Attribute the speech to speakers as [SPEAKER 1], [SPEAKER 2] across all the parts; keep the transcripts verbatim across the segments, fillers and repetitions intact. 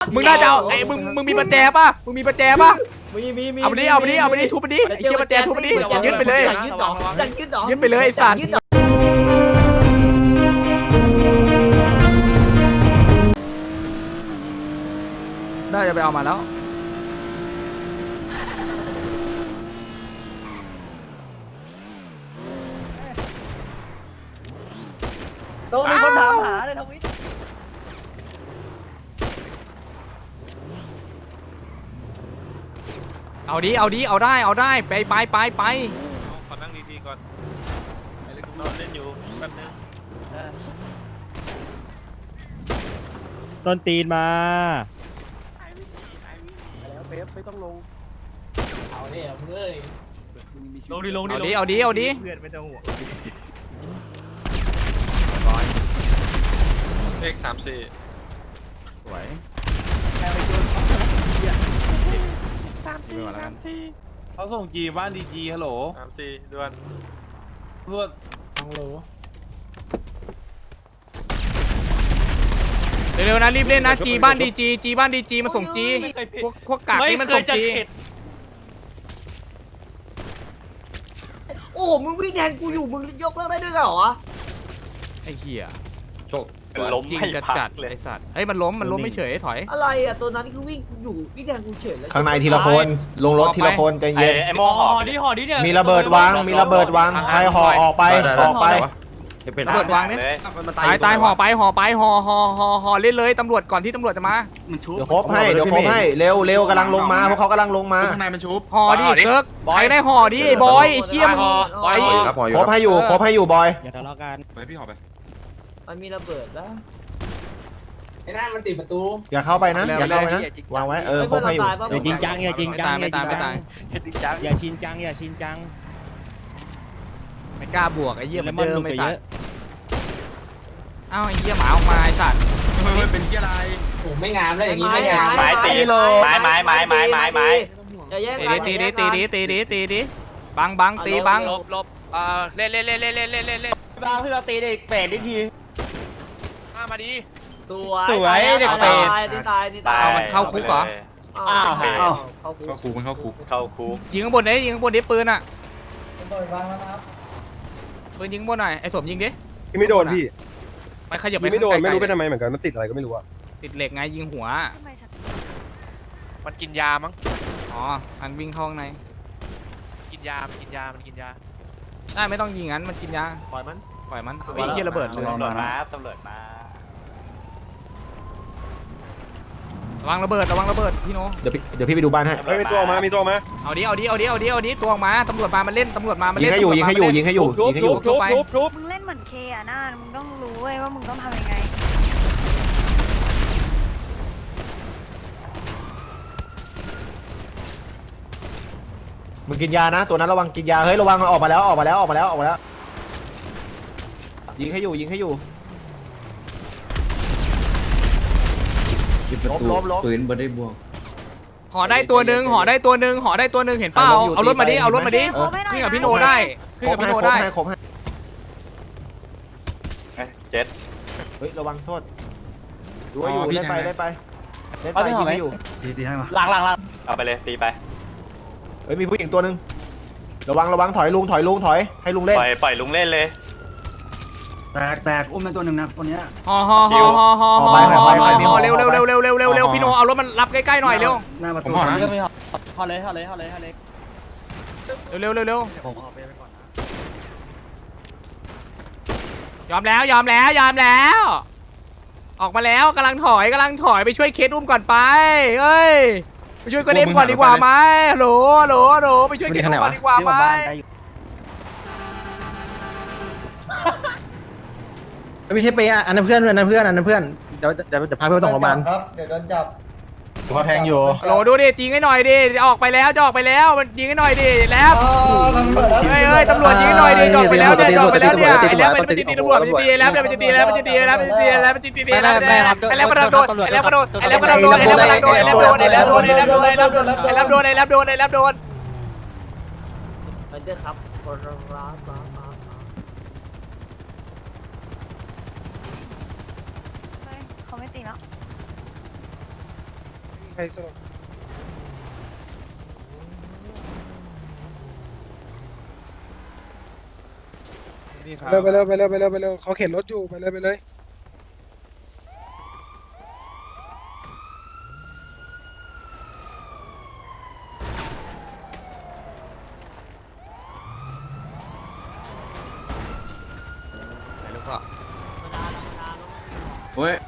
[SPEAKER 1] มึงน่าจะเอาไอ้มึงมึงมีประแจป่ะมึงมีประแจป่ะ
[SPEAKER 2] มีมีมี
[SPEAKER 1] เอาไปดิเอาไปดิเอาไปดิทุบไปดิไอ้เชี่ยประแจทุบไปดิยึดไปเลย
[SPEAKER 2] ยึดหนอยึดหนอ
[SPEAKER 1] ยึดไปเลยไอ้สัตว์น่าจะไปเอามาแล้ว
[SPEAKER 2] โตมีคนถามหาเลยทวิต
[SPEAKER 1] เอาดิเอาดิเอาได้เอาได้ไปไปไปไป
[SPEAKER 3] ขอนั่งดีๆก่อนไอ้เล็กนอนเล่นอยู่แป๊บนึง
[SPEAKER 4] ต้นตีนมา
[SPEAKER 2] แล้วเป๊ปไม่ต้องลง
[SPEAKER 5] เอาเนี่ยมึงเอ้ย
[SPEAKER 3] ลงดิลงดิ
[SPEAKER 1] เอาดิเอาดิเอาดิ
[SPEAKER 4] เพื่อนไม่ต้องห่วง
[SPEAKER 3] เลขสามสี่
[SPEAKER 1] สวย
[SPEAKER 3] สามสี่สามสี่
[SPEAKER 6] เขาส่งจีบ้านดีจีฮัลโหล
[SPEAKER 3] สามสี่ด่วน
[SPEAKER 6] รวด
[SPEAKER 1] เร็วๆนะรีบเล่นนะจีบ้านดีจีจีบ้านดีจีมาส่งจีพวกพวกกากนี่มันส่งจี
[SPEAKER 2] โอ้มึงวิ่งแทงกูอยู่มึงยกเลิกได้ด้วยเหรอ
[SPEAKER 1] ไอ้เหี้ย
[SPEAKER 3] ล้ม
[SPEAKER 1] ยิง
[SPEAKER 3] ให้
[SPEAKER 1] จัด
[SPEAKER 3] พั
[SPEAKER 1] จัด
[SPEAKER 3] กเลย
[SPEAKER 1] ไอ้สัตว์เฮ้ยมันล้มมันล้มไม่เฉยถอย
[SPEAKER 2] อะไรอ่ะตัวนั้นคือวิ่งอยู่วิ่งแทงกูเฉยเลย
[SPEAKER 7] ข้างในทีละคนลงรถทีละคนใจ
[SPEAKER 3] ไอ้
[SPEAKER 7] เย็น
[SPEAKER 3] ไอ้โม่ห่อดิห่อดิ
[SPEAKER 7] มีระเบิดวางมีระเบิดวางใครห่อออกไปออกไป
[SPEAKER 1] ตำรวจวางเนี่ยตายตายห่อไปห่อไปห่อห่อห่อห่อเล่นเลยตำรวจก่อนที่ตำรวจจะมา
[SPEAKER 7] เดี๋ยวครบให้เดี๋ยวครบให้เร็วเร็วกำลังลงมาพวกเขากำลังลงมา
[SPEAKER 6] ข้างในมันชุบ
[SPEAKER 1] ห่อดิเซิร์กใครได้ห่อดิไอ้บอยไอ้เชี่ยมึงไอ้
[SPEAKER 7] ครบให้อยู่ครบให้อยู่บอย
[SPEAKER 4] อย่าทะเลาะกัน
[SPEAKER 6] ไปพี่หอไป
[SPEAKER 2] มันมีระเบิดแล้ว
[SPEAKER 5] ไอ้นั่นมันติดประตู
[SPEAKER 7] อย่าเข้าไปนะอย่าเข้าไปนะวางไว้เออครบให้อยู่
[SPEAKER 4] อย่าจริงจังอย่าจริงจัง
[SPEAKER 1] ไม่ตายไม่ตาย
[SPEAKER 4] อย่าชินจังอย่าชินจัง
[SPEAKER 1] ไม่กล้าบวกไอ้เหี้ยเหมือนเดิม
[SPEAKER 4] เล
[SPEAKER 1] ไอ้
[SPEAKER 4] ย
[SPEAKER 1] สั
[SPEAKER 4] เย
[SPEAKER 1] ต
[SPEAKER 4] อะ
[SPEAKER 1] ว์เอ้าไอ้เหี้ยหมาออกมาไอ้สัตว์
[SPEAKER 6] เป็นที่อะไร
[SPEAKER 5] โอ้ไม่งามแล้วอย่างนี้ไม่งาม
[SPEAKER 3] ไม้ตีเลยไม้ไม้ไม้ไม้ไม้ไม้
[SPEAKER 2] อย่าแย่ง
[SPEAKER 1] ตี
[SPEAKER 2] กัน
[SPEAKER 1] ดิตีดิตีดิตีดิตีดิบังบังตีบัง
[SPEAKER 5] ลบลบอ่าเล่นเล่นเล่นเล่นเล่นเล่นเล่นเล่น
[SPEAKER 7] บางที่เราตีได้แปดนาที
[SPEAKER 5] มามาดี
[SPEAKER 2] สวย
[SPEAKER 7] สวยเด็ก
[SPEAKER 2] ตายนี่ตายนี่ตาย
[SPEAKER 1] มันเข้าคุกเหรอ
[SPEAKER 2] อ้าว
[SPEAKER 3] อ้าว
[SPEAKER 2] เข้าคุก
[SPEAKER 6] เข้าคุกมันเข้าคุก
[SPEAKER 3] เข้าคุก
[SPEAKER 1] ยิงข้างบนดิยิงข้างบนดิปืนอ่ะปืนยิงข้างบนหน่อยไอ้สมยิงดิ
[SPEAKER 8] ไม่โดนพี่
[SPEAKER 1] ไปขยับไป
[SPEAKER 8] ไม่โดน
[SPEAKER 1] ข้าง
[SPEAKER 8] ไม่รู้ไป
[SPEAKER 1] ๆ
[SPEAKER 8] ทำไมเหมือนกันมันติดอะไรก็ไม่รู้อะ
[SPEAKER 1] ติดเหล็กไงยิงหัว
[SPEAKER 5] มันกินยามั้ง
[SPEAKER 1] อ๋ออันวิ่งเข้าข้างใน
[SPEAKER 5] กินยามันกินยามันกินยา
[SPEAKER 1] ได้ไม่ต้องยิงงั้นมันกินยา
[SPEAKER 2] ปล่อยมัน
[SPEAKER 1] ปล่อยมันไอ้เหี้ยระเบิดเลย
[SPEAKER 3] ตำรวจมาตำรวจมา
[SPEAKER 1] ระวังระเบิดระวังระเบิดพี่โน
[SPEAKER 7] เดี๋ยวพี่เดี๋ยวพี่ไปดูบ้านให้
[SPEAKER 8] เฮ้ยมีตัวออกมา มีตัวออกมา
[SPEAKER 1] เอาดิเอาดิเอาดิเอาดิเอาดิตัวออกมาตำรวจมามันเล่นตำรวจมามัน
[SPEAKER 7] ยิง
[SPEAKER 1] เล่น
[SPEAKER 7] ให้อยู่ยิงให้อยู่ยิงให้อยู่ยิงให้อยู่
[SPEAKER 8] ทุบทุบทุบ
[SPEAKER 9] มึงเล่นเหมือนเคอะน่ามึงต้องรู้เว้ยว่ามึงต้องทำยังไง
[SPEAKER 7] มึงกินยานะตัวนั้นระวังกินยาเฮ้ยระวังออกมาแล้วออกมาแล้วออกมาแล้วออกมาแล้วยิงให้อยู่ยิงให้อยู่ลบลบลบ
[SPEAKER 10] ปืนบ่ได้บวก
[SPEAKER 1] ห่อได้ตัวหนึ่งห่อได้ตัวหนึ่งห่อได้ตัวหนึ่งเห็นเปล่าเอารถมาดิเอารถมาดิ
[SPEAKER 9] โอเค
[SPEAKER 1] ขึ้นกับพี่โนได้ขึ้นกับพี่โนได้
[SPEAKER 7] ครบให้
[SPEAKER 3] เจ็ด
[SPEAKER 7] เฮ้ยระวังโทษดูว่าอยู่เล่นไปเล่นไปเล่นไปยิงให้อยู่
[SPEAKER 10] ตีตีให้มา
[SPEAKER 2] หลังหลังหลัง
[SPEAKER 3] เอาไปเลยตีไป
[SPEAKER 7] เฮ้ยมีผู้หญิงตัวหนึ่งระวังระวังถอยลุงถอยลุงถอยให้ลุงเล่น
[SPEAKER 3] ปล่อยปล่อยลุงเล่นเลย
[SPEAKER 10] แตกแตกอุ้มเป็นตัวหนึ่งนะตัวเนี้ย
[SPEAKER 1] ห่อห่อห่อห่อห่อห่อห่อห่อเร็วเร็วเร็วเร็วเร็วเร็วเร็วพี่โนเอารถมันรับใกล้ๆหน่อยเร็ว
[SPEAKER 10] หน้าประ
[SPEAKER 6] ผ
[SPEAKER 10] ตู
[SPEAKER 6] มห่อนะ
[SPEAKER 2] พอเลยพอเลยพอเลยพอเลย
[SPEAKER 1] เร็วเร็วเร็ว
[SPEAKER 10] ผมขอไปไปก่อนนะ
[SPEAKER 1] ยอมแล้วยอมแล้วยอมแล้ว ออกมาแล้วกำลังถอยกำลังถอยไปช่วยเคสอุ้มก่อนไปเฮ้ยไปช่วยกระเด็นก่อนดีกว่าไหมฮัลโหลฮัลโหลฮัลโหลไปช่วยเคสอุ้มก่อนดีกว่าไหม
[SPEAKER 7] ไม่ใช่ไปอ่ะอันนั้นเพื่อนอันนั้นเพื่อนอันนั้นเพื่อนเดี๋ยวเดี๋ยวจะพาเพื่อนส่งโรงพยาบาล
[SPEAKER 8] ครับ เดี๋ยวโดนจับ
[SPEAKER 7] เขาแทงอยู่
[SPEAKER 1] ฮัลโหลดูดิยิงให้หน่อยดิจะออกไปแล้วจะออกไปแล้วมันยิงให้หน่อยดิแล้วเฮ้ยเฮ้ยตำรวจยิงให้หน่อยดิจะออกไปแล้วเนี่ยจะออกไปแล้วเนี่ยไอ้แล้วมันจะตีตำรวจมันจะตีแล้วมันจะตีแล้วมันจะตีแล้วมันจะตีแล้วมันจะตีแล้วไอ้แล้วกระโดดไอ้แล้วกระโดดไอ้แล้วกระโดดไอ้แล้วกระโดดไอ้แล้วกระโดดไอ้แล้วโดนไอ้แล้วโดนไอ้แล้วโดนไอ้แล้วโดนไอ้แล้วโดนไอ้แล้วโดน
[SPEAKER 2] มันจะครับคนรักรักรัก
[SPEAKER 9] เฮ้ยเขาไม่ตีแล้ว
[SPEAKER 8] รสลบเร็วไปเร็วไปเร็วไปเร็วไปเร็วเขาเข็นรถอยู่ไปเลยไปเลย
[SPEAKER 1] ไหนลูกพ่อ
[SPEAKER 6] โอ้ย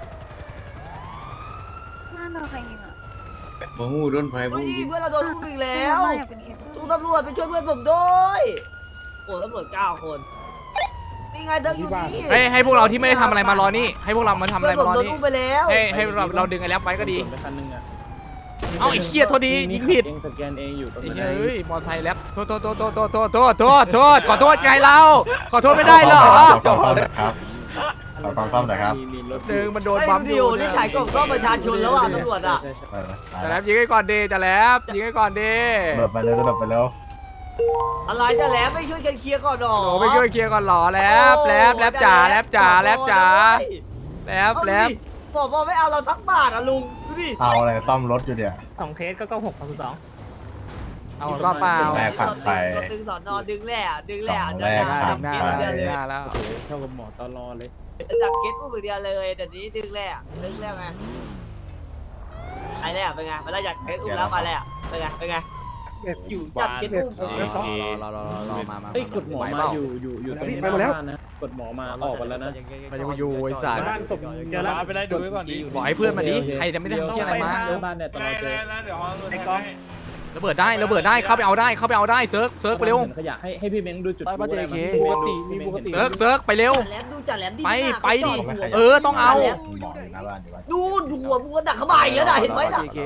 [SPEAKER 9] น่าโดนใครยิงอ่ะ
[SPEAKER 6] มาหูโดนไฟ
[SPEAKER 2] เฮ้ยเพื่อนเราโดนลูกอีกแล้ว
[SPEAKER 9] ไม่อยากเป็นเคส
[SPEAKER 2] ตู้ตำรวจไปช่วยเพื่อนผมด้วยโอ้ตำรวจเก้าคนนี่ไงเธออยู่นี่
[SPEAKER 1] ให้ให้พวกเราที่ไม่ได้ทำอะไรมารอนี่ให้พวกเรามาทำอะไร
[SPEAKER 2] เพื่อนผม
[SPEAKER 1] มารอ
[SPEAKER 2] โดน
[SPEAKER 1] นี่
[SPEAKER 2] ลูกไปแล้ว
[SPEAKER 1] ให้ให้เราเราดึงไอ้แล็บไว้ก็ดี
[SPEAKER 4] ไปคันนึงอ่ะ
[SPEAKER 1] เอ้าไอ้เหี้ยโทษดียิงผิด
[SPEAKER 4] เองสแกนเองอยู่ตรง
[SPEAKER 1] ไอ้
[SPEAKER 4] นั้น
[SPEAKER 1] เหี้ยเอ้ยมอไซค์แล็บโทษโทษโทษโทษโทษโทษโทษโทษโทษขอโทษไงเราขอโทษไม่ได้เหรอ
[SPEAKER 10] ขอความซ่อมหน่อยครับขอความซ่อมหน่อยครับ
[SPEAKER 4] มีมีรถ
[SPEAKER 1] หนึ่งมันโดน
[SPEAKER 2] ไอ้
[SPEAKER 1] บัม
[SPEAKER 2] ดิ
[SPEAKER 1] อยู่
[SPEAKER 2] วนี่ขายกล่องซ่อมประชาชนแล้วอ่ะตำรวจอ่ะ
[SPEAKER 10] เออตาย
[SPEAKER 1] จะ
[SPEAKER 10] แล้
[SPEAKER 1] แล็
[SPEAKER 10] ว
[SPEAKER 1] บยิงให้ก่อนดีจะแล็บยิงให้ก่อนดี
[SPEAKER 10] หลบไปเร็วหลบไปเร็ว
[SPEAKER 2] อะไรจะแล้วไม่ช่วยกันเคลียร์ก่อนหรอ
[SPEAKER 1] โอ้ไปช่วยเคลียร์ก่อนหรอแล็บแล็บแล็บจ๋าแล็บจ๋าแล็บจ๋าแล็บแล็บ
[SPEAKER 2] บอกว่าไม่เอาเราทักบาทอ่ะลุงดูดิ
[SPEAKER 10] เอาอะไรซ่อมรถอยู่เนี่ย
[SPEAKER 4] สองเคสก็เก้าหกสองสอง
[SPEAKER 1] เอารอบเปล่า
[SPEAKER 10] แรกผ่านไป
[SPEAKER 2] ดึงสอนอดึงแหล่ดึงแหล่
[SPEAKER 10] สอง
[SPEAKER 2] จะ
[SPEAKER 10] แรก
[SPEAKER 1] ได้
[SPEAKER 10] ผ่
[SPEAKER 1] ดึงหน้า
[SPEAKER 10] ไป
[SPEAKER 1] แล้วดึงหน้าแล้ว
[SPEAKER 4] เท่ากับหมอตลอเลย
[SPEAKER 2] จับเคสอุ้มอย่างเดียวเลยแต่นี้ดึงแหล่ดึงแหล่ไงไอ้แหล่เป็นไงเวลาอยากเคสอุ้มแล้วมาแหล่เป็นไงเป็นไง
[SPEAKER 8] เบ็ดอยู่
[SPEAKER 2] จัดเคส
[SPEAKER 8] เบ็ด
[SPEAKER 2] อุ้ม
[SPEAKER 8] เขา
[SPEAKER 1] รอรอรอรอมามา
[SPEAKER 4] เอ้ยกดหมอ
[SPEAKER 1] ไหว
[SPEAKER 4] มา
[SPEAKER 1] เปล่า
[SPEAKER 4] อยู่อยู่อยู่ตรง
[SPEAKER 8] พี่
[SPEAKER 4] นี้
[SPEAKER 8] ไปหมดแล้ว
[SPEAKER 4] บ้านนะกดหมอมาออกกันแล้วนะ
[SPEAKER 1] มันจะอยู่ไอ้สาร
[SPEAKER 4] บ้านศพเจอแล้ว
[SPEAKER 6] ไปไล่ดูไว้ก่อนดิ
[SPEAKER 1] บอกให้เพื่อนมาดิใครจะไม่ได้ทำเที่ยอะไรมา
[SPEAKER 4] เจอบ้านเนี่ยตลอดเจอ
[SPEAKER 6] เดี๋ยว
[SPEAKER 4] ไอ้กล้อง
[SPEAKER 1] ระเบิดได้ระเบิดได้เข้าไปเอาได้เข้าไปเอาได้เซิร์ฟเซิร์ฟไปเร็ว
[SPEAKER 4] ขยะให้ให้พี่เม้งดูจุด
[SPEAKER 6] ใต้บ้าน
[SPEAKER 4] รู้อะไร
[SPEAKER 6] เจเค
[SPEAKER 4] ปกติมีปกติ
[SPEAKER 1] เซิร์ฟเซิร์ฟไปเร็ว
[SPEAKER 2] จัดแหลมดูจัดแหลมดี
[SPEAKER 1] ไป
[SPEAKER 2] มาก
[SPEAKER 1] ไปดิ
[SPEAKER 2] เขาจอ
[SPEAKER 1] เออต้องเอา
[SPEAKER 10] หมออยู่หน้าบ้านอยู่บ้าน
[SPEAKER 2] ดูดูหัวมึงก็ดักเข้ามาอีกแล้วนะเห็นไหมล่ะ
[SPEAKER 1] โอเค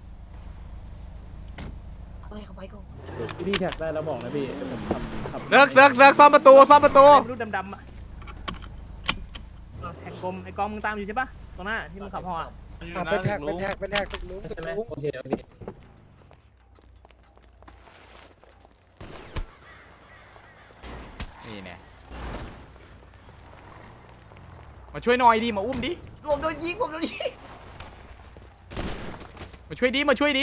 [SPEAKER 2] ไปเข้าไปก่อน
[SPEAKER 4] พี่แท็กได้แล้วบอกนะพี่เดี๋ยวผมทำทำ
[SPEAKER 1] เซิร์ฟเซิร์ฟเซิร์ฟซ่อมประตูซ่อมประตู
[SPEAKER 4] รูปดำๆอ่ะแท็กกลมไอ้กล้องมึงตามอยู่ใช่ปะตรงหน้าที่มึงขับห่ออะ
[SPEAKER 8] อ่ะเป็นแท็กเป็นแท็กเป็นแท็กตึกลุงตึ
[SPEAKER 4] ใช่
[SPEAKER 8] ก
[SPEAKER 4] ไหม
[SPEAKER 8] ลุง
[SPEAKER 4] โอเคโอเค
[SPEAKER 1] นี่เนี่ยมาช่วยหน่อยดิมาอุ้มดิ
[SPEAKER 2] ผมโดนยิงผมโดนยิง
[SPEAKER 1] มาช่วยดิมาช่วยดิ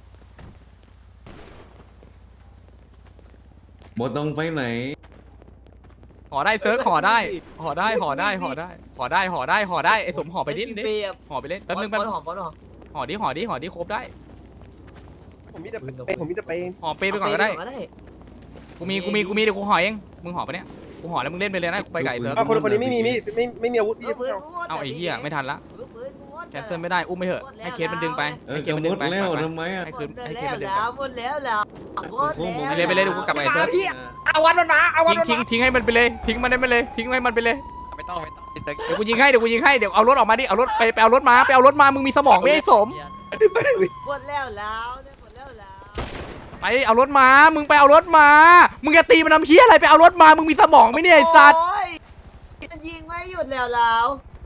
[SPEAKER 6] หมดต้องไปไหน
[SPEAKER 1] ห่อได้เซิร์ฟห่อได้ห่อได้ห่อได้ห่อได้ห่อได้ห่อได้ห่อได้ไอ้สมห่อไปนิดดิ
[SPEAKER 2] เปียบ
[SPEAKER 1] ห่อไปเล่นแป๊บนึงแป๊บนึง
[SPEAKER 2] หอมหอมหอม
[SPEAKER 1] ห่อดิห่อดิห่อดิครบได้
[SPEAKER 8] ผมมีแต่ไปผมมีแต่ไปเอง
[SPEAKER 1] ห่อเปไปก่อนก็ได้กูมีกูมีกูมีเดี๋ยวกูห่อเองมึงห่อปะเนี่ยกูห่อแล้วมึงเล่นไปเลยนะกูไปไก่เซิร์ฟ
[SPEAKER 8] อ่ะคนคนนี้ไม่มีมีไม่ไม่มีอาวุธพี่
[SPEAKER 1] เอาไอ้เหี้ยไม่ทันละแคนเซิลไม่ได้อุ้มไม่เหอะให้เคสมันดึงไป
[SPEAKER 6] เออ
[SPEAKER 1] ให้เค
[SPEAKER 6] จะ
[SPEAKER 1] สมัน
[SPEAKER 6] หม
[SPEAKER 1] ดึง
[SPEAKER 6] ด
[SPEAKER 1] ไป
[SPEAKER 6] แล้ว
[SPEAKER 1] ไป
[SPEAKER 6] ทำไมอ่ะ
[SPEAKER 1] ให้คืนให้เคส
[SPEAKER 2] แล้
[SPEAKER 1] มันดึง
[SPEAKER 2] วหมดแล้วแล้วหมดแล้ว
[SPEAKER 1] ไปเลยไปเลยเดี๋ยวกูกลับไปเซิร์ฟ
[SPEAKER 2] เอาวันมันมาเอาวัน
[SPEAKER 1] ทิ้ง
[SPEAKER 2] มัน
[SPEAKER 1] ทิ้งทิ้งให้มันไปเลยทิ้งมันได้ไปเลยทิ้งให้มันไปเลย
[SPEAKER 5] ไม่ต้องไม่ต้องไอ้เซ็ก
[SPEAKER 1] เดี๋ยวกูยิงให้เดี๋ยวกูยิงให้เดี๋ยวเอารถออกมาดิเอารถไปไปเอารถมาไปเอารถมามึงมีสมองไม่ไอ้สม
[SPEAKER 2] หมดแล้วแล้วหมดแล้วแล้ว
[SPEAKER 1] ไปเอารถมามึงไปเอารถมามึงจะตีมันทำเหี้ยอะไรไปเอารถมามึงมีสมองไหมเนี่ยไอ้สัตว์
[SPEAKER 2] มันยิงไม่หยุดแล้วแล้ว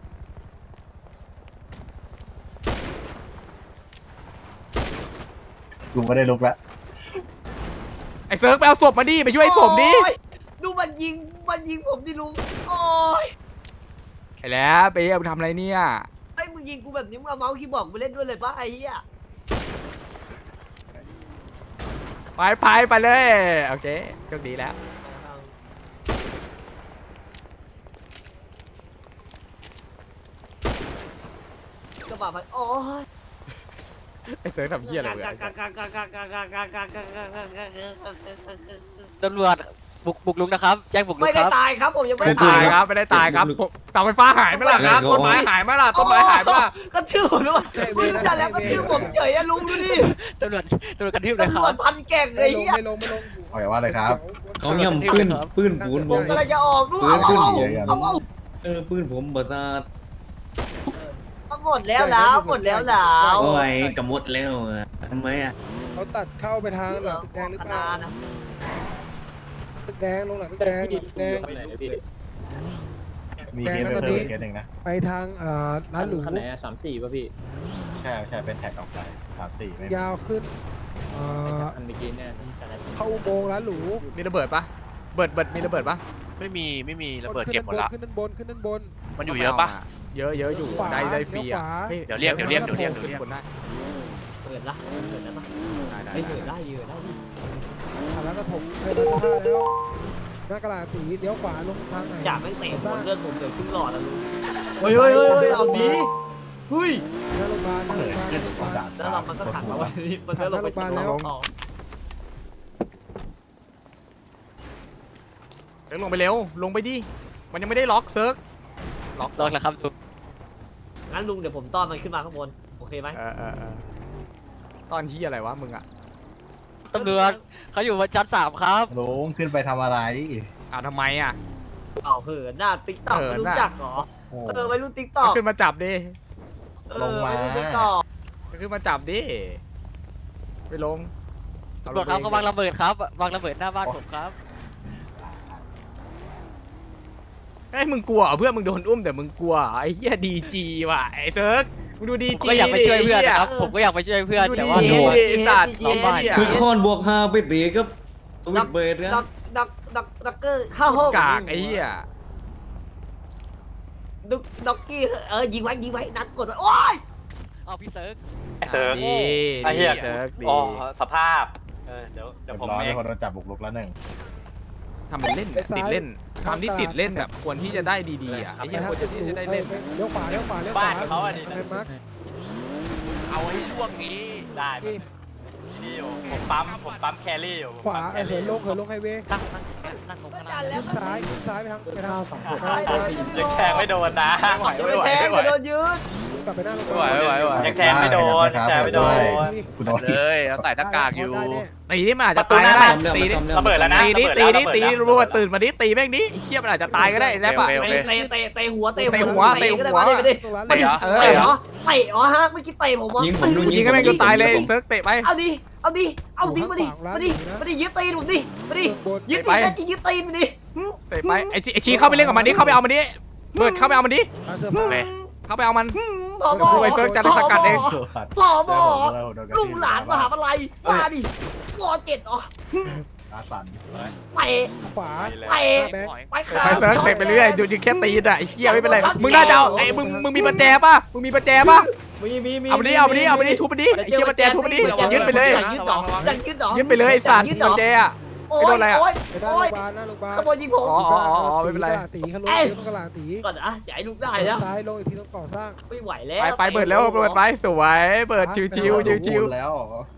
[SPEAKER 10] ลุงไม่ได้ลุกแล้ว
[SPEAKER 1] ไอ้เซิร์ฟไปเอาศพมาดิไปช่วยไอ้สมดิ
[SPEAKER 2] ดูมันยิงมันยิงผมดิลุงโอ้ย
[SPEAKER 1] ไอ้แล้วไปเอาไปทำอะไรเนี่ย
[SPEAKER 2] ไอ้มึงยิงกูแบบนี้มึงเอาเมาส์คีย์บอร์ดไปเล่นด้วยเลยปะไอ้เหี้ย
[SPEAKER 1] ไปไปไปเลยโอเคโชคดีแล้ว
[SPEAKER 2] กระบะมันโอ้ย
[SPEAKER 1] ไอ้เซิร์ฟทำเหี้ยอะไรเลย
[SPEAKER 5] ตำรวจบุกบุกลุงนะครับแจ้งบุกลุง
[SPEAKER 2] ไม่
[SPEAKER 5] ค
[SPEAKER 2] ได้
[SPEAKER 5] รับ
[SPEAKER 2] ตายครับผมยังไม่
[SPEAKER 1] ไม่
[SPEAKER 2] ได้
[SPEAKER 1] ตา
[SPEAKER 2] ตาย ย
[SPEAKER 1] ครับไม่ได้ตายครับเสาไฟฟ้าหายไหมล่ะครับต้นไม้หายไหมล่ะต้นไม้หายไหมล่ะ
[SPEAKER 2] กระทืบผมด้วยมึงจัดแล้วกระทืบผมเฉยอะลุงดูดิ
[SPEAKER 5] ตำรวจตำรวจกระทืบเลยค
[SPEAKER 2] ตำร
[SPEAKER 5] รั
[SPEAKER 2] วจ
[SPEAKER 5] บ
[SPEAKER 2] พันแก่งเล
[SPEAKER 8] ไม่
[SPEAKER 2] ย
[SPEAKER 8] ลง
[SPEAKER 2] เหี้ย
[SPEAKER 8] ไม่ลงไม่ลง
[SPEAKER 10] ปล่อยว่าเลยครับ
[SPEAKER 6] เขาย่ำปืนปืนปูนผ
[SPEAKER 2] ผม
[SPEAKER 6] ม
[SPEAKER 2] กำลังจะออกด้วยเอาเอาเอาเอา
[SPEAKER 6] เออปืนผมบาซาด
[SPEAKER 2] เอาหมดแล้วแล้วหมดแล้วแล้ว
[SPEAKER 6] โอ้ยกระมดแล้วอ่ะทำไมอ่ะ
[SPEAKER 8] เขาตัดเข้าไปทางหลังตึกแดงหรือเปล่า
[SPEAKER 2] นะ
[SPEAKER 8] ตึกแดงลงหลังตึกแดงหลังตึกแดง
[SPEAKER 4] ไปไหนพี่
[SPEAKER 10] มีเคสไปเพิ่มอีกเคสหนึ่งนะ
[SPEAKER 8] ไปทางอ่าร้านหรู
[SPEAKER 4] คันไหนสามสี่ป่ะพี่
[SPEAKER 10] ใช่ใช่เป็นแท็กออกไปสามสี่ไม่
[SPEAKER 8] ยาวขึ้นอ่า
[SPEAKER 4] คันเมื่อกี้เนี่ย
[SPEAKER 8] เข้าอุโมงค์ร้านหรู
[SPEAKER 1] มีระเบิดปะเบิดเบิดมีระเบิดปะ
[SPEAKER 5] ไม่มีไม่มีระเบิดเก็บหมดละ
[SPEAKER 8] ขึ้นด้านบนขึ้นด้านบน
[SPEAKER 5] มันอยู่เยอะปะ
[SPEAKER 1] เยอะเยอะอยู่
[SPEAKER 8] ขวา
[SPEAKER 1] ได้ได้ฟรีอ่ะ
[SPEAKER 8] ขวา
[SPEAKER 1] ฮ้
[SPEAKER 5] เดี๋ยวเรียกเดี๋ยวเรียกเดี๋ยวเรียกเดี๋ยวเรียก
[SPEAKER 1] ขึ้นบนได้
[SPEAKER 2] เหินละเหินได้ปะ
[SPEAKER 1] ได้
[SPEAKER 2] ไอ้
[SPEAKER 1] ได้
[SPEAKER 2] เหินได้เหินได้ดิ
[SPEAKER 8] ผ่านแล้วก็ผมไปมาท่าแล้วหน้ากระดาษสีเลี้ยวขวาลงทางไหน
[SPEAKER 2] จ่าไม่เตะบอลเลือดผมเดือดขึ้นหลอดแล้วลุงเฮ้ยเฮ้ยเฮ้ยเอาดีเฮ้ย
[SPEAKER 8] หน้าโรงพยาบาลหน้าโรงพยาบาลหน้าโรงพยาบาล
[SPEAKER 2] แล้วเรามันก็ขังเราไว้นี่มันก็ลงไปแล้ว
[SPEAKER 1] เซิร์กลงไปเร็วลงไปดิมันยังไม่ได้ล็อกเซิร์กล็อก
[SPEAKER 5] ลองแล้วครับลุง
[SPEAKER 2] งั้นลุงเดี๋ยวผมต้อนมันขึ้นมาข้างบนโอเคไหม
[SPEAKER 1] เออเออเออตอนที่อะไรวะมึงอ่ะ
[SPEAKER 5] ตำรวจเขาอยู่บนชั้นสามครับ
[SPEAKER 10] ลุงขึ้นไปทำอะไร
[SPEAKER 1] อ้าวทำไมอ่ะ
[SPEAKER 2] เอาเหินหน้าติ๊กต็อก
[SPEAKER 1] เหิน
[SPEAKER 2] รู้
[SPEAKER 1] น่ะ
[SPEAKER 2] จักเหรอ
[SPEAKER 10] โอ้
[SPEAKER 2] เออไปรุ่นติ๊กต็อก
[SPEAKER 1] ก็ขึ้นมาจับดิ
[SPEAKER 10] ลงมา
[SPEAKER 2] ติ๊กต็อก
[SPEAKER 1] ก็ขึ้นมาจับดิไปลง
[SPEAKER 5] ตำรวจครับเขาวางระเบิดครับวางระเบิดหน้าบ้านผมครับ
[SPEAKER 1] เฮ้ยมึงกลัวเหรอเพื่อนมึงโดนอุ้มแต่มึงกลัวเหรอไอ้เหี้ยดีจีว่ะไอ้เซิร์กมึงดูดี
[SPEAKER 5] ผม
[SPEAKER 1] จี
[SPEAKER 5] ก็อยากไปช่วยเพื่อนนะครับผมก็อยากไปช่วยเพื่อน
[SPEAKER 1] ดู
[SPEAKER 5] แต่
[SPEAKER 1] ดี
[SPEAKER 5] ว่า
[SPEAKER 1] จี
[SPEAKER 5] โดน
[SPEAKER 1] ไอ้สัตว์เราบ้าน
[SPEAKER 6] คือคอนบวกห้าไปตีกับสวิตเบรด
[SPEAKER 2] ด็
[SPEAKER 6] นะ
[SPEAKER 2] อกด็อกด็อกด็อกเกอร์เข้าห้อง
[SPEAKER 1] กากไอ้เหี้ย
[SPEAKER 2] ด็อกด็อกกี้เออยิงไว้ยิงไว้นัดกดไว้โอ้ย
[SPEAKER 5] เอาพี่เซิร์ก
[SPEAKER 3] เซิร์ฟ
[SPEAKER 1] ดี
[SPEAKER 3] ไอ้เหี้ย
[SPEAKER 1] เซิร์กดี
[SPEAKER 3] อ๋อสภาพเออเดี๋ยวเดี๋ยวผม
[SPEAKER 10] ร้อย
[SPEAKER 3] เอง
[SPEAKER 10] คนโดนจับบุกรุกแล้วหนึ่ง
[SPEAKER 1] ทำเป็นเล่นเนี่ยติดเล่นความที่ติดเล่นแบบควรที่จะได้ดีๆอ่ะไอ้เหี้ยควรจะที่จะได้เล่น
[SPEAKER 8] เลี้ยวขวาเลี้ยวขวาเลี้ยวขวา
[SPEAKER 3] บ้านเขาอันนี้
[SPEAKER 8] ไปมาร์ค
[SPEAKER 3] เอาให้ช่วงนี้ได้ไหมนี่อยู่ผมปั๊มผมปั๊มแครี่อยู่
[SPEAKER 8] ขวาเหินลงเหินลงไฮเวย์
[SPEAKER 5] นั่งนั่งนั่งลงข้างล่าง
[SPEAKER 8] ขึ้นซ้ายขึ้นซ้ายไปทางไปทาง
[SPEAKER 3] ยังแทงไม่โดนนะไม่ไหว
[SPEAKER 2] จะ
[SPEAKER 3] ไม่
[SPEAKER 2] ไป
[SPEAKER 3] ไหว
[SPEAKER 2] แทง
[SPEAKER 3] ไม่ไหว
[SPEAKER 2] จะโดนยืด
[SPEAKER 8] กลับไปหน้าโรงพ
[SPEAKER 3] ไม่
[SPEAKER 8] ยา
[SPEAKER 3] ไหว
[SPEAKER 8] บาล
[SPEAKER 3] ไม่ไหวไม่ไหวยังแทงไม่โดนยังแทงไม่โดน
[SPEAKER 10] กูโดน
[SPEAKER 1] เลยเราใส่หน้ากากอยู่
[SPEAKER 8] ได้แน่
[SPEAKER 1] ตีนี่มันอาจ
[SPEAKER 3] ป
[SPEAKER 1] จะ
[SPEAKER 3] ระตู
[SPEAKER 1] ตาย
[SPEAKER 3] หน้า
[SPEAKER 1] ก็ได้
[SPEAKER 3] บ้าน
[SPEAKER 1] ตีนี่
[SPEAKER 3] ระเบิดแล้วนะ
[SPEAKER 1] ตีนี่
[SPEAKER 3] ระ
[SPEAKER 1] ตี
[SPEAKER 3] เบิด
[SPEAKER 1] นี่
[SPEAKER 3] แล้ว
[SPEAKER 1] ตี
[SPEAKER 3] ระเบิดแล้ว
[SPEAKER 1] รัวตื่นมาดิตีแม่งดิไอ้เหี้ยมันอาจจะตายก็ได้แล้วป่ะ
[SPEAKER 3] โอเค
[SPEAKER 2] เตะเตะเตะหัวเตะ
[SPEAKER 1] เตะหัวเตะหัว
[SPEAKER 2] ก็ได้มาดิมาดิ
[SPEAKER 8] ตรงร้าน
[SPEAKER 2] มาดิ
[SPEAKER 1] เอ
[SPEAKER 2] เตะ
[SPEAKER 1] อ
[SPEAKER 2] เหรอเตะเหรอฮะเมื่อกี้เตะผมวะ
[SPEAKER 6] ยิงผมดู
[SPEAKER 1] ยิงก็แม่งจนตายเลยเซิร์กเตะไป
[SPEAKER 2] เอาดิเอาดิเอาดิมาดิมาดิมาดิยึดตีนผมดิมาดิยึดตีนนะจียึดตีนมาดิ
[SPEAKER 1] เตะไปไอ้ชีไอ้ชีเข้าไปเล่นกับมันดิเข้าไปเอามันดิเบิร์ดเข้าไปเอามันดิ
[SPEAKER 8] ร้านเสื้อผ้า
[SPEAKER 1] เข้าไปเอามัน
[SPEAKER 2] ผอ
[SPEAKER 1] ดูไอ้เซิร์กจะสกัดเอง
[SPEAKER 2] ผอบอลูกหลานมหาวิทยาลัยมาดิวอเจ็ดอ๋อ
[SPEAKER 10] อาสัน
[SPEAKER 2] เตะ
[SPEAKER 8] ขวา
[SPEAKER 2] เตะ
[SPEAKER 8] แบงค์
[SPEAKER 2] ไปขา
[SPEAKER 1] ไปเซิร์กเตะไปเรื่อยดูยิงแค่ตีนอ่ะไอ้เหี้ยไม่เป็นไรมึงน่าจะเอาไอ้มึงมึงมีประแจป่ะมึงมีประแจป่ะ
[SPEAKER 2] มีมีมี
[SPEAKER 1] เอาไปดิเอาไปดิเอาไปดิทุบไปดิไอ้เหี้ยประแจทุบไปดิยึดไปเลย
[SPEAKER 2] ยึดดอกยึดดอก
[SPEAKER 1] ยึดไปเลยไอ้สัตว์ประแจอ่ะ
[SPEAKER 2] โอ้
[SPEAKER 1] ไม่โด
[SPEAKER 2] ย
[SPEAKER 1] นอะไรอะ
[SPEAKER 2] โอ้ย
[SPEAKER 8] ไปหน้า
[SPEAKER 2] โอ้
[SPEAKER 8] โรง
[SPEAKER 2] ย
[SPEAKER 8] พยาบาลหน้าโรงพยาบาล
[SPEAKER 2] ขโมยยิงผม
[SPEAKER 1] อ๋ออ๋ออ๋อไม่เป็นไร
[SPEAKER 8] ตีเขาลงเลี้ยวตรงกระลาตี
[SPEAKER 2] ก่อนนะอย่าให้ลูกได้นะ
[SPEAKER 8] ซ้ายลงอีกทีตรงก่อสร้าง
[SPEAKER 2] ไม่ไหวแล้ว
[SPEAKER 1] ไปไปเบิร์ดแล้วเบิร์ดไปสวยเบิร์ดชิวชิวชิวชิว
[SPEAKER 10] แล้ว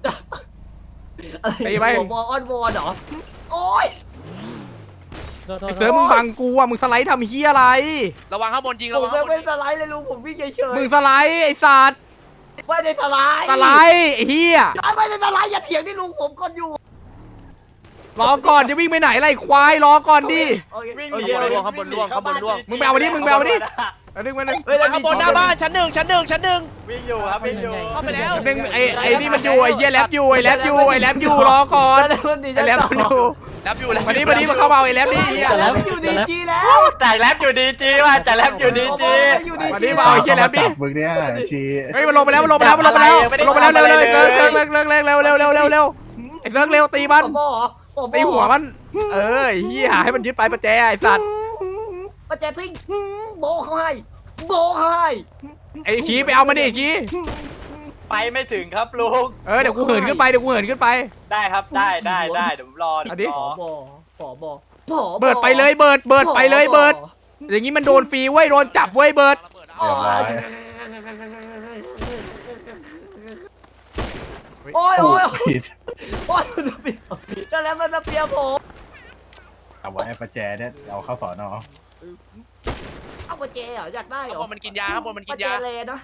[SPEAKER 2] อะไร
[SPEAKER 1] ตีไป
[SPEAKER 2] วอลออนวอลเหรอโอ้ย
[SPEAKER 1] ไอ้เซิร์ฟมึงบังกูอ่ะมึงสไลด์ทำเฮียอะไร
[SPEAKER 3] ระวังข้างบนยิง
[SPEAKER 2] ผ
[SPEAKER 3] ระ
[SPEAKER 2] ม
[SPEAKER 3] วัง
[SPEAKER 2] ไม่
[SPEAKER 3] ข้างบน
[SPEAKER 2] ไม่
[SPEAKER 3] ยิง
[SPEAKER 2] สไลด์เลยลุงผมวิ่งเฉย
[SPEAKER 1] มึงสไลด์ไอ้สัตว์
[SPEAKER 2] ๆไม่ได้สไลด์
[SPEAKER 1] สไลด์ไอ้เฮีย
[SPEAKER 2] ไม่ได้สไลด์อย่าเถียงที่ลุงผมก่อนอยู่
[SPEAKER 1] รอก่อนจะวิ่งไปไหนไรควายรอก่อนดิ
[SPEAKER 3] วิ่งหนีล่วงข้างบนล่วงข้างบนล่วง
[SPEAKER 1] มึงไปเอามาดิมึงไปเอามาดิเอาดึงมาดึง
[SPEAKER 3] ข้างบนหน้าบ้านชั้นหนึ่งชั้นหนึ่งชั้นหนึ่งวิ่งอยู่ครับวิ่งอยู่เข้าไปแล้ว
[SPEAKER 1] ดึงไอ้ไอ้นี่มันอยู่ไอ้เฮียแลบอยู่ไอ้แลบอยู่ไอ้แลบอยู่รอก่อนไอ้แลบมันอยู่
[SPEAKER 3] รับอยู่แล้ว
[SPEAKER 1] มาดิมาดิมาเข้ามาเอาไอ้แลบดิเฮีย
[SPEAKER 2] แต่แล้วอยู่ดีจีแล้ว
[SPEAKER 3] จ่ายแลบอยู่ดีจีว่ะจ่ายแลบอยู่ดีจี
[SPEAKER 1] มาดิมาเอาไอ้เฮียแลบดิ
[SPEAKER 10] จับมึงเนี่ยชี
[SPEAKER 1] เฮ้ยมันลงไปแล้วมันลงไปแล้วมันลงไปแล้วมันลงไปแล้วเร็วเร็วเซิร์ฟเซิร์ฟเร็วเร็วเร็วเร็วเร็วเร็วเร็วเร็วไอ้เซิร์ฟเร็วตีมัน
[SPEAKER 2] บอ
[SPEAKER 1] ตีหัวมัน เออเฮียให้มันยึดไปประแจไอ้สัตว์
[SPEAKER 2] ประแจทิ้งโบเขาให้โบเขาให้
[SPEAKER 1] ไอ้ชี้ไปเอามันดิชี้
[SPEAKER 3] ไปไม่ถึงครับลุง
[SPEAKER 1] เออเดี๋ยวกูเหินขึ้นไปเดี๋ยวกูเหินขึ้นไป
[SPEAKER 3] ได้ครับได้ได้ได้เดี๋ยวผมรอ
[SPEAKER 1] เอาดิ
[SPEAKER 2] ผอบอผอบอผอ
[SPEAKER 1] เบิร์ดไปเลยเบิร์ดเบิร์ดไปเลยเบิร์ดอย่างงี้มันโดนฟรีเว้ยโดนจับเว้ยเบิร์ด
[SPEAKER 10] เรียบร้อย
[SPEAKER 2] โอ้ยโอ้ย
[SPEAKER 10] ผิด
[SPEAKER 2] โอ้ยมันเปียกแต่แล้วมันเปียกผม
[SPEAKER 10] เอาไว้ประแจเนี่ยเอาเข้าสอนอ
[SPEAKER 2] เอาประแจเหรออยากได้เหร
[SPEAKER 3] ข้าง
[SPEAKER 2] อบ
[SPEAKER 3] นมันกินยาข้างบนมันกิ
[SPEAKER 2] ประ
[SPEAKER 3] น
[SPEAKER 2] แจ
[SPEAKER 3] ยา
[SPEAKER 2] เลยนะ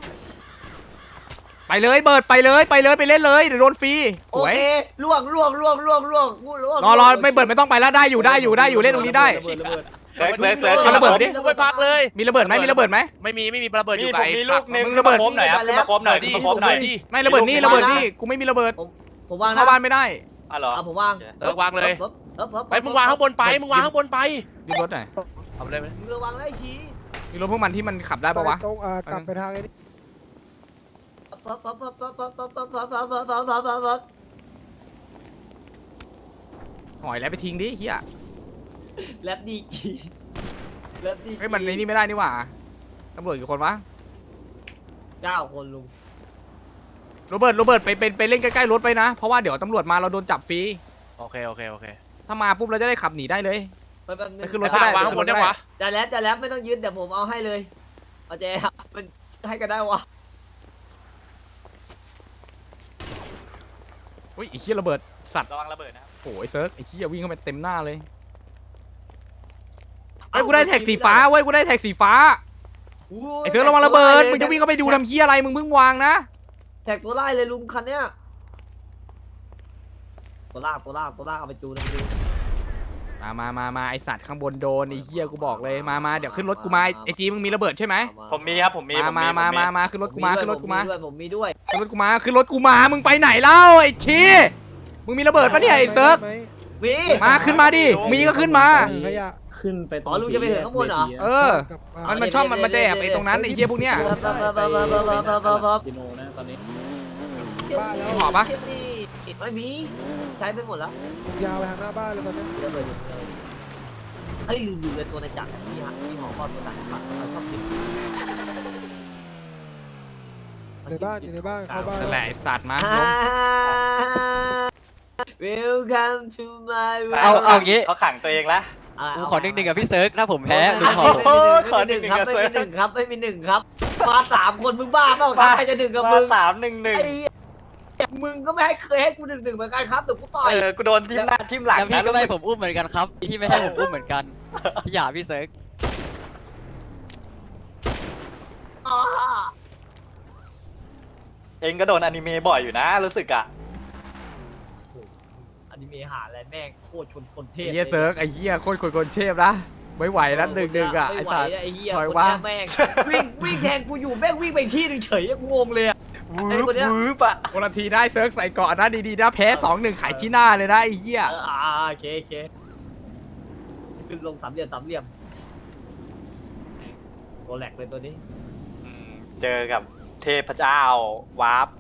[SPEAKER 1] ไปเลยเบิร์ดไปเลยไปเลยไปเล่นเลยเดี๋ยวโดนฟรีส
[SPEAKER 2] โอ
[SPEAKER 1] วย
[SPEAKER 2] เคล่วงล่วงล่วงล่วงล่วงล่วง
[SPEAKER 1] รอรอไม่เบิร์ดไม่ต้องไปแล้วได้อยู่ได้อยู่ได้อยู่เล่นตรงนี้ได้
[SPEAKER 3] เซิร์ฟเซิร์ฟเซิร์ฟ
[SPEAKER 1] เอาระเบิดดิ
[SPEAKER 3] ไปพักเลย
[SPEAKER 1] มีระเบิดไหมมีระเบิดไหม
[SPEAKER 3] ไม่มีไม่มีระเบิดอยู่ไกลมีลูกนึง
[SPEAKER 1] มึงระเบิด
[SPEAKER 3] คมหน่อยครับมาคมหน่อยดิมาคมหน่อยดิ
[SPEAKER 1] ไม่ระเบิดนี่ระเบิดนี่กูไม่มีระเบิด
[SPEAKER 2] ผมวาง
[SPEAKER 1] เข้าบ้านไม่ได้
[SPEAKER 3] อ๋อเหรอ
[SPEAKER 2] เอาผมวาง
[SPEAKER 3] เออวางเลย
[SPEAKER 2] เอิบเอิบ
[SPEAKER 3] ไปมึงวางข้างบนไปมึงวางข้างบนไป
[SPEAKER 1] มีรถไหน
[SPEAKER 3] เอาไปเลยไหม
[SPEAKER 2] มึงระวังได้ชี้
[SPEAKER 1] มีรถพวกมันที่มันขับได้ปะวะ
[SPEAKER 8] ตรงอ่ากลับไปทางไอ้นี่
[SPEAKER 2] ปั๊บปั๊บปั๊บปั๊บปั๊บปั๊บปั๊บปั๊บปั๊บปั๊บปั๊บปั๊บปั๊บปั๊บ
[SPEAKER 1] หอยแล้วไปทิ้งดิเฮีย
[SPEAKER 2] แลบดีจีแลบดี
[SPEAKER 1] เฮ้ยมันในนี่ไม่ได้นี่หว่าตำรวจกี่คนวะ
[SPEAKER 2] เก้าคนลุง
[SPEAKER 1] โรเบิร์ตโรเบิร์ตไปไปไปเล่นใกล้ๆรถไปนะเพราะว่าเดี๋ยวตำรวจมาเราโดนจับฟรี
[SPEAKER 3] โอเคโอเคโอเค
[SPEAKER 1] ถ้ามาปุ๊บเราจะได้ขับหนีได้เลย
[SPEAKER 2] ไปแป๊บนึง
[SPEAKER 1] ไปขึ้นรถก็ได้
[SPEAKER 3] วางข้างบนได้วะ
[SPEAKER 2] จะแล้วจะแล้วไม่ต้องยึดเดี๋ยวผมเอาให้เลยเอาเจ๊มันให้กันได้วะ
[SPEAKER 1] อุ้ยไอ้เหี้ยระเบิดสัตว์
[SPEAKER 3] ระวังระเบิดนะครับ
[SPEAKER 1] โอ้ยเซิร์ฟไอ้เหี้ยวิ่งเข้าไปเต็มหน้าเลยเฮ้ยกูได้แท็กสีฟ้าเว้ยกูได้แท็กสีฟ้าไอ้เซิร์ฟระวังระเบิดมึงจะวิ่งเข้าไปดูทำเหี้ยอะไรมึงเพิ่งวางนะ
[SPEAKER 2] แท็กตัวไล่เลยลุงคันเนี้ยตัวลากตัวลากตัวลากเอาไปจูนเอาไปจูน
[SPEAKER 1] มามามามาไอสัตว์ข้างบนโดนไอ้เหี้ยกูบอกเลยมามาเดี๋ยวขึ้นรถกูมาไอจีมึงมีระเบิดใช่ไหม
[SPEAKER 3] ผมมีครับผมมี
[SPEAKER 1] มามามามามาขึ้นรถกูมาขึ้นรถกูมา
[SPEAKER 2] ด้วยผมมีด้วย
[SPEAKER 1] ขึ้นรถกูมาขึ้นรถกูมามึงไปไหนเล่าไอ้ชีมึงมีระเบิดปะเนี่ยไอ้เซิร์ฟ
[SPEAKER 2] มี
[SPEAKER 1] มาขึ้นมาดิมีก็ขึ้นมา
[SPEAKER 8] ขยะ
[SPEAKER 4] ขึ้นไปตรง
[SPEAKER 2] อ๋อลุงจะไปถึงข้างบนเหรอ
[SPEAKER 1] เออ มันมันชอบมันมันจะแอบไอ้ตรงนั้นไอ้เหี้ยพวกเนี้ย
[SPEAKER 4] ดิโนนะตอนนี้
[SPEAKER 8] บ้านแล้ว
[SPEAKER 1] หอปะ
[SPEAKER 2] ไม่มีใช้ไปหมดแล้ว
[SPEAKER 8] ยาวไปทางหน้าบ้านเลยตอนนี้
[SPEAKER 2] ระเบิดอยู่เลยเฮ้ยลืมดูเลยตัวในจักรที่ฮะที่หอความตัวต่างๆเราชอบกิน
[SPEAKER 8] ในบ้านอยู่ในบ้านเข้าบ้าน
[SPEAKER 1] นั่นแหละไอ้สัตว์มา
[SPEAKER 2] Welcome to my
[SPEAKER 5] เอาเอางี้
[SPEAKER 3] เขาขังตัวเองละ
[SPEAKER 5] กูขอหนึ่งหนึ่งกับพี่เซิร์กถ้าผมแพ้ลุงขอ
[SPEAKER 3] โอ้โหข
[SPEAKER 2] ข
[SPEAKER 3] อ
[SPEAKER 2] อ
[SPEAKER 3] ห
[SPEAKER 2] ห
[SPEAKER 3] นึ่
[SPEAKER 2] นึ่
[SPEAKER 3] ง
[SPEAKER 2] ง
[SPEAKER 3] หนึ่ง
[SPEAKER 2] ครับ
[SPEAKER 3] กับ
[SPEAKER 2] ไม่
[SPEAKER 3] เซิร์ฟ
[SPEAKER 2] มีหนึ่งครับไม่มีหนึ่งครับมาสามคนมึงบ้าเปล่าครับใครจะหนึ่งกับมึง
[SPEAKER 3] สามหนึ่งหนึ่ง
[SPEAKER 2] ไอ้มึงก็ไม่ให้เคยให้กูหนึ่งหนึ่งเหมือนกันครับเดี๋ยวกูต่อย
[SPEAKER 3] เออกูโดนทิ่มหน้าทิ่มหลัง
[SPEAKER 5] แล้วพี่
[SPEAKER 3] นะ
[SPEAKER 5] ก็ไม่ให้ผมอุ้มเหมือนกันครับพี่ไม่ให้ผมอุ้มเหมือนกันพี่หยาพี่เซิร์ก
[SPEAKER 3] เองก็โดนอนิเมะบ่อยอยู่นะรู้สึกอ่ะ
[SPEAKER 2] อนิเมะหาอะไรแม่งโคตรชนคนเท
[SPEAKER 1] ไอ้
[SPEAKER 2] พ
[SPEAKER 1] เหี้ยเซิร์ฟไอ้เหี้ยโคตรคนเทพนะไม่ไหวแล้วหนึ่งหนึ่งอ่ะไอ้
[SPEAKER 2] ไม่ไหว
[SPEAKER 1] สัตว์
[SPEAKER 2] ไอ้เหี้ย
[SPEAKER 1] ถอย
[SPEAKER 2] คน
[SPEAKER 1] ว่า
[SPEAKER 2] เนี้ยแม่งวิ่งวิ่งแทงกูอยู่แม่งวิ่งไปที่หนึงเฉยกูงงเลยอะ
[SPEAKER 3] วื
[SPEAKER 2] ไอ้
[SPEAKER 3] บ
[SPEAKER 2] คนเนี้ย
[SPEAKER 3] วืบอ่ะ
[SPEAKER 1] คนละทีได้เซิร์ฟใส่เกาะนะดีๆนะแพ้สองหนึ่งขายขี้หน้าเลยนะไอ้เหี้ย
[SPEAKER 2] เอออ่าโอเคโอเคขึ้นลงสามเหลี่ยมสามเหลี่ยมตัวแหลกเลยตัวนี้
[SPEAKER 3] อืมเจอกับเทพเจ้าวาร์ป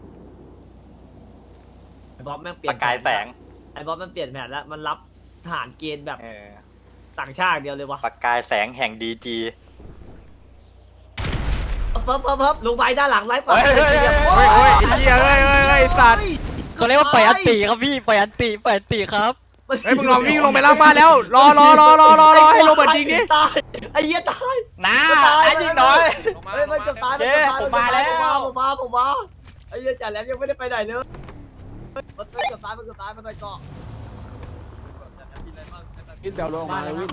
[SPEAKER 2] ไอ้บอสแม่งเปลี่
[SPEAKER 3] ป
[SPEAKER 2] ยน
[SPEAKER 3] ระกายแสง
[SPEAKER 2] ไอ้บอสมันเปลี่ยนแผนแล้วมันรับทหารเกณฑ์แบบ
[SPEAKER 3] เออ
[SPEAKER 2] ต่างชาติเดียวเลยวะ
[SPEAKER 3] ประกายแสงแห่งดีจี
[SPEAKER 2] เพิ่มเพิ่มเพิ่มลงไปด้านหลังไล่กว่า
[SPEAKER 3] เฮ้ยเฮ้ยเฮ้ย
[SPEAKER 1] เฮ้ยเฮ้ยไอ้เหี้ยเฮ้ยเฮ้ยเฮ้ยไอ้สัตว์
[SPEAKER 5] เขาเรียกว่าปล่อยอันตีครับพี่ปล่อยอันตีปล่อยอันตีครับ
[SPEAKER 1] เฮ้ยมึงลองวิ่งลงไปล่างบ้านแล้วรอรอรอรอรอรอให้โรเบิร์ตยิงดิ
[SPEAKER 2] ตายไอ้เหี้ยตาย
[SPEAKER 3] น้าน้ายิงหน่อย
[SPEAKER 2] เฮ้ยมันจะตาย
[SPEAKER 3] เย้ผมมาแล้ว
[SPEAKER 2] ผมมาผมมาไอ้เหี้ยจ่าแหลมยังไม่ได้ไปไหนเลยมันเกือบตายมันเกือบตายมันไปเกาะ
[SPEAKER 4] ขึ้นเจ้าลงมาเลยวิ่ง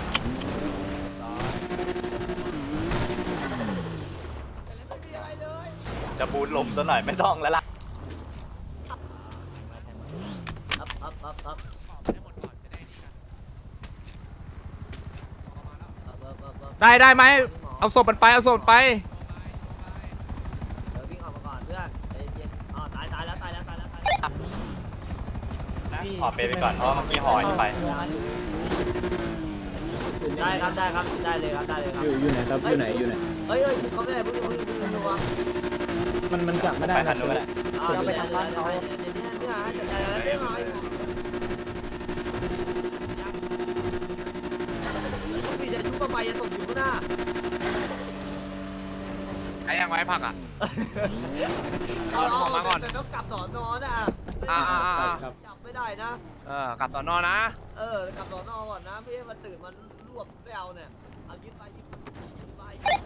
[SPEAKER 3] จะบูนลมซะหน่อยไม่ต้องแล้วล่ะ
[SPEAKER 2] ครับครับครับครับ
[SPEAKER 1] ได้ได้ไหมเอาศพมันไปเอาศพมันไป
[SPEAKER 2] เดี๋ยววิ่งออกมาก่อนเพื่อนใจเย็นอ๋อตายตายแล้วตายแล้วตายแล้วตายแล้ว
[SPEAKER 3] ขอเปไปก่อนเพราะว่าเมื่อกี้หอยไป
[SPEAKER 2] ได้ครับได้ครับได้เลยครับได้เลยครับ
[SPEAKER 4] อยู่อยู่ไหนครับอยู่ไหนอยู่ไหน
[SPEAKER 2] เฮ้ยเฮ้ยเขาไม่ได้เพิ่งเพิ่งเพิ่งดูว่า
[SPEAKER 4] มันมันกลับไม่ได้
[SPEAKER 3] ไปทันนู้นก็ได้
[SPEAKER 2] เอาไปทำบ้านเขาเนี่ยเนี่ยเนี่ยจัดการแล้วเนี่ยพี่จะชุบไปจะตกอยู่ข้างหน้า
[SPEAKER 3] ไอ้ยังไว้ผักอ่ะ
[SPEAKER 2] เอาเอามาก่อนแต่ต้องกลับสอนอนะจับไม่ได้นะ
[SPEAKER 3] เออกลับสอนอนะ
[SPEAKER 2] เออกลับสอนอก่อนนะไม่ใช่มาตื่นมันรวบไม่เอาเนี่ยเอายึดไปยึดไป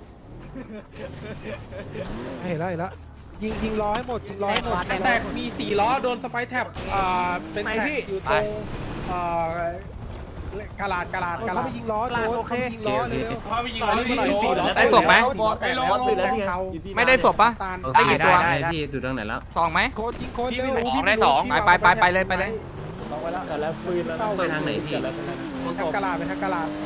[SPEAKER 8] เห็นแล้วเห็นแล้วยิงยิงล้อให้หมดยิงล้อให้หมด
[SPEAKER 4] แตกมีสี่ล้อโดนสไปแท็บอ่าเป็นแท็กอยู่ตรงอ่ากาลาดกาลาดกาลา
[SPEAKER 8] เขา
[SPEAKER 4] ด
[SPEAKER 8] ไปยิงล้อโดนเขาไปยิงล้อเร็ว
[SPEAKER 4] เขาไปยิงล้อที่สี่ล้อ
[SPEAKER 1] ได้ศพไหม
[SPEAKER 2] ไปลงตื่นแล้วเนี่ย
[SPEAKER 1] ไม่ได้ศพปะ ได้กี่ตัว
[SPEAKER 6] พี่ดูตรงไหนแล้ว
[SPEAKER 1] สองไหม
[SPEAKER 8] โคตรยิงโคตรเร็ว
[SPEAKER 1] ไปไปไปไปเลยไปเลย
[SPEAKER 4] ลงไปแล้วแต่แล้วปืนแล้ว
[SPEAKER 6] ไปทางไหนพี่
[SPEAKER 4] ทางกาลาดไปทางกาลาด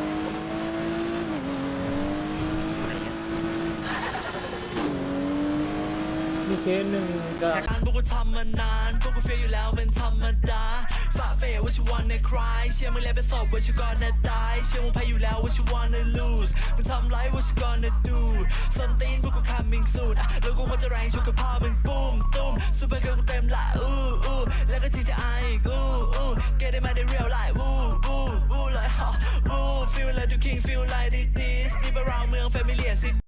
[SPEAKER 4] มีเคสหนึ่งก็
[SPEAKER 11] พวกกูทำมานานพวกกูเฟียอยู่แล้วเป็นธรรมดาฝ่าเฟยว่าชิวันในคลายเชื่อมึงแล้วเป็นศพว่าชิวก่อนนะตายเชื่อมึงแพ้อยู่แล้วว่าชิวันใน lose มึงทำไรว่าชิก่อนนะ do ส้นตีนพวกกู coming soon แล้วกูควรจะแรงชกกับพ่อมึงปุ้มตุ้มซูเปอร์เกิร์ลกูเต็มละอู้อู้แล้วก็ จี ที ไอ อีกอู้อู้ get it มาได้ real life อู้อู้อู้เลยฮะอู้ feel like you king feel like this this deep around เมือง familiar city